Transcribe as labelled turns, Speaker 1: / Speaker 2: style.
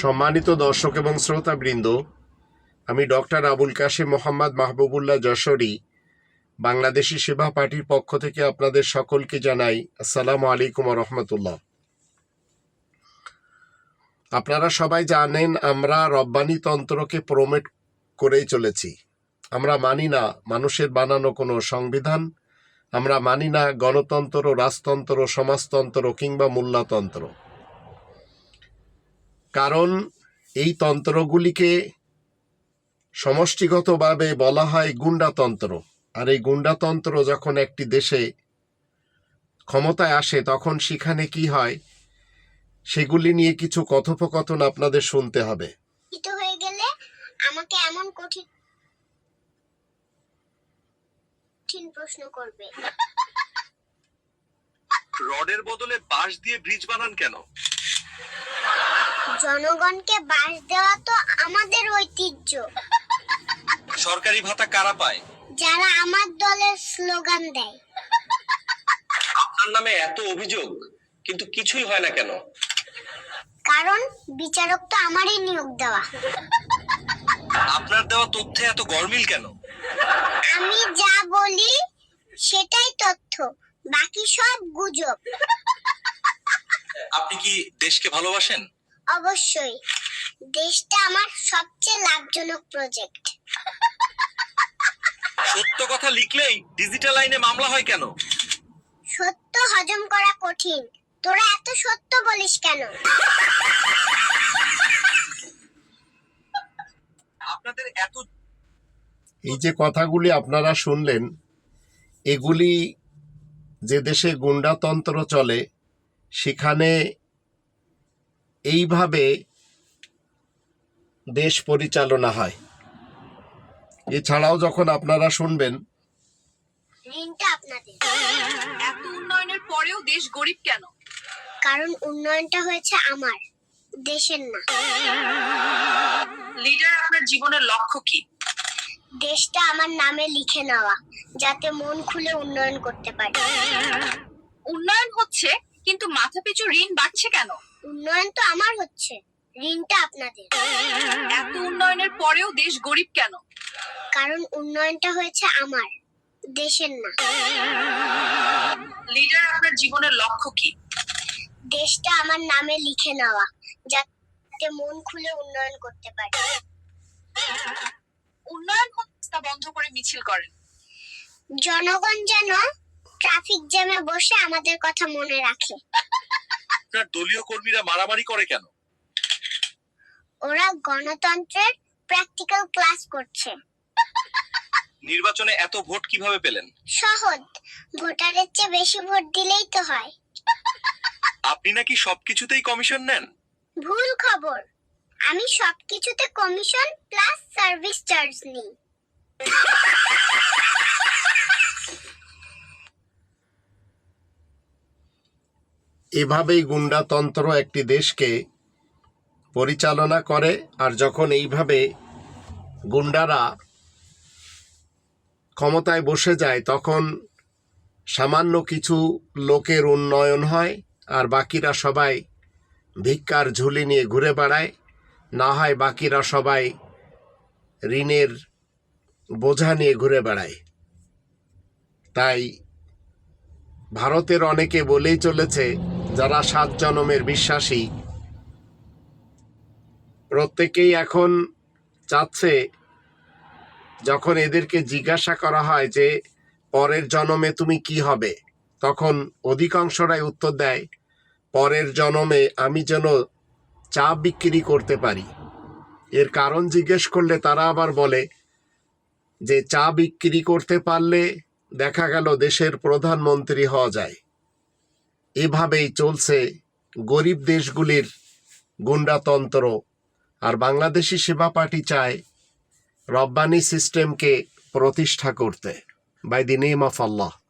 Speaker 1: সম্মানিত দর্শক এবং শ্রোতাবৃন্দ, আমি ডক্টর আবুল কাশেম মোহাম্মদ মাহবুবুল্লাহ যশোরী বাংলাদেশি সেবা পার্টির পক্ষ থেকে আপনাদের সকলকে জানাই আসসালামু আলাইকুম ওয়া রাহমাতুল্লাহ। আপনারা সবাই জানেন আমরা রব্বানি তন্ত্রকে প্রমোট করেই চলেছি। আমরা মানি না মানুষের বানানো কোনো সংবিধান, আমরা মানি না গণতন্ত্র, রাজতন্ত্র, সমাজতন্ত্র কিংবা মোল্লাতন্ত্র। কারণ এই তন্ত্রগুলিকে সমষ্টিগতভাবে বলা হয় গুন্ডাতন্ত্র। আর এই গুন্ডাতন্ত্র যখন একটি দেশে ক্ষমতায় আসে তখন সেখানে কি হয় সেগুলি নিয়ে কিছু কথোপকথন আপনাদের শুনতে হবে।
Speaker 2: হয়ে গেলে আমাকে এমন কঠিন প্রশ্ন করবে।
Speaker 3: রডের বদলে বাঁশ দিয়ে ব্রিজ বানান কেন?
Speaker 2: জনগণকে বাঁশ দেওয়া তো আমাদের ঐতিহ্য।
Speaker 3: সরকারি ভাতা কারা পায়?
Speaker 2: যারা আমার দলের স্লোগান দেয়।
Speaker 3: আপনার নামে এত অভিযোগ কিন্তু কিছুই হয় না কেন?
Speaker 2: কারণ বিচারক তো আমারই নিয়োগ দেওয়া।
Speaker 3: আপনার দেওয়া তথ্যে এত গরমিল কেন?
Speaker 2: আমি যা বলি সেটাই তথ্য, বাকি সব গুজব।
Speaker 3: আপনি কি দেশকে ভালোবাসেন?
Speaker 2: অবশ্যই, দেশটা আমার সবচেয়ে লাভজনক প্রজেক্ট।
Speaker 3: সত্য কথা লিখলেই ডিজিটাল আইনে মামলা হয় কেন?
Speaker 2: সত্য হজম করা কঠিন। তোরা এত সত্য বলিস কেন?
Speaker 3: আপনাদের এত
Speaker 1: এই যে কথাগুলি আপনারা শুনলেন, এগুলি যে দেশে গুন্ডাতন্ত্র চলে সেখানে এইভাবে দেশ পরিচালনা হয়। এছাড়াও যখন আপনারা শুনবেন
Speaker 2: ঋণটা আপনাদের।
Speaker 4: এত উন্নয়নের পরেও দেশ গরিব কেন?
Speaker 2: কারণ উন্নয়নটা হয়েছে আমার, দেশের না।
Speaker 4: লিডার, আপনার জীবনের লক্ষ্য কি?
Speaker 2: দেশটা আমার নামে লিখে নেওয়া, যাতে মন খুলে উন্নয়ন করতে পারি।
Speaker 4: উন্নয়ন হচ্ছে কিন্তু মাথাপিছু ঋণ বাড়ছে কেন?
Speaker 2: উন্নয়ন তো আমার হচ্ছে, ঋণটা আপনাদের।
Speaker 4: এত উন্নয়নের পরেও দেশ গরিব কেন?
Speaker 2: কারণ উন্নয়নটা হয়েছে আমার, দেশের না।
Speaker 4: লিডার, আপনার জীবনের লক্ষ্য কি?
Speaker 2: দেশটা আমার নামে লিখে নেওয়া, যাতে মন খুলে উন্নয়ন করতে পারি।
Speaker 4: উন্নয়ন হচ্ছে তা বন্ধ করে মিছিল করেন।
Speaker 2: জনগণ যেন ট্রাফিক জ্যামে বসে আমাদের কথা মনে রাখে।
Speaker 3: আপনার দলীয় কর্মীরা মারামারি করে কেন?
Speaker 2: ওরা গণতন্ত্রের প্র্যাকটিক্যাল ক্লাস করছে।
Speaker 3: নির্বাচনে এত ভোট কিভাবে পেলেন?
Speaker 2: সহজ, ভোটারের চেয়ে বেশি ভোট দিলেই তো হয়।
Speaker 3: আপনি নাকি সবকিছুতেই কমিশন নেন?
Speaker 2: ভুল খবর, আমি সবকিছুতে কমিশন প্লাস সার্ভিস চার্জ নিই।
Speaker 1: এভাবেই গুন্ডাতন্ত্র একটি দেশকে পরিচালনা করে। আর যখন এইভাবে গুন্ডারা ক্ষমতায় বসে যায় তখন সামান্য কিছু লোকের উন্নয়ন হয় আর বাকিরা সবাই ভিক্ষার ঝুলি নিয়ে ঘুরে বেড়ায়, না হয় বাকিরা সবাই ঋণের বোঝা নিয়ে ঘুরে বেড়ায়। তাই ভারতের অনেকে বলেই চলেছে, যারা 7 জনমের বিশ্বাসী প্রত্যেকেই এখন চাচ্ছে, যখন এদেরকে জিজ্ঞাসা করা হয় যে পরের জন্মে তুমি কি হবে, তখন অধিকাংশরাই উত্তর দেয়, পরের জন্মে আমি যেন চা বিক্রি করতে পারি। এর কারণ জিজ্ঞেস করলে তারা আবার বলে যে চা বিক্রি করতে পারলে দেখা গেল দেশের প্রধানমন্ত্রী হওয়া যায়। এভাবেই চলছে গরিব দেশগুলির গুন্ডাতন্ত্র। আর বাংলাদেশি সেবা পার্টি চায় রব্বানি সিস্টেমকে প্রতিষ্ঠা করতে, by the name of Allah.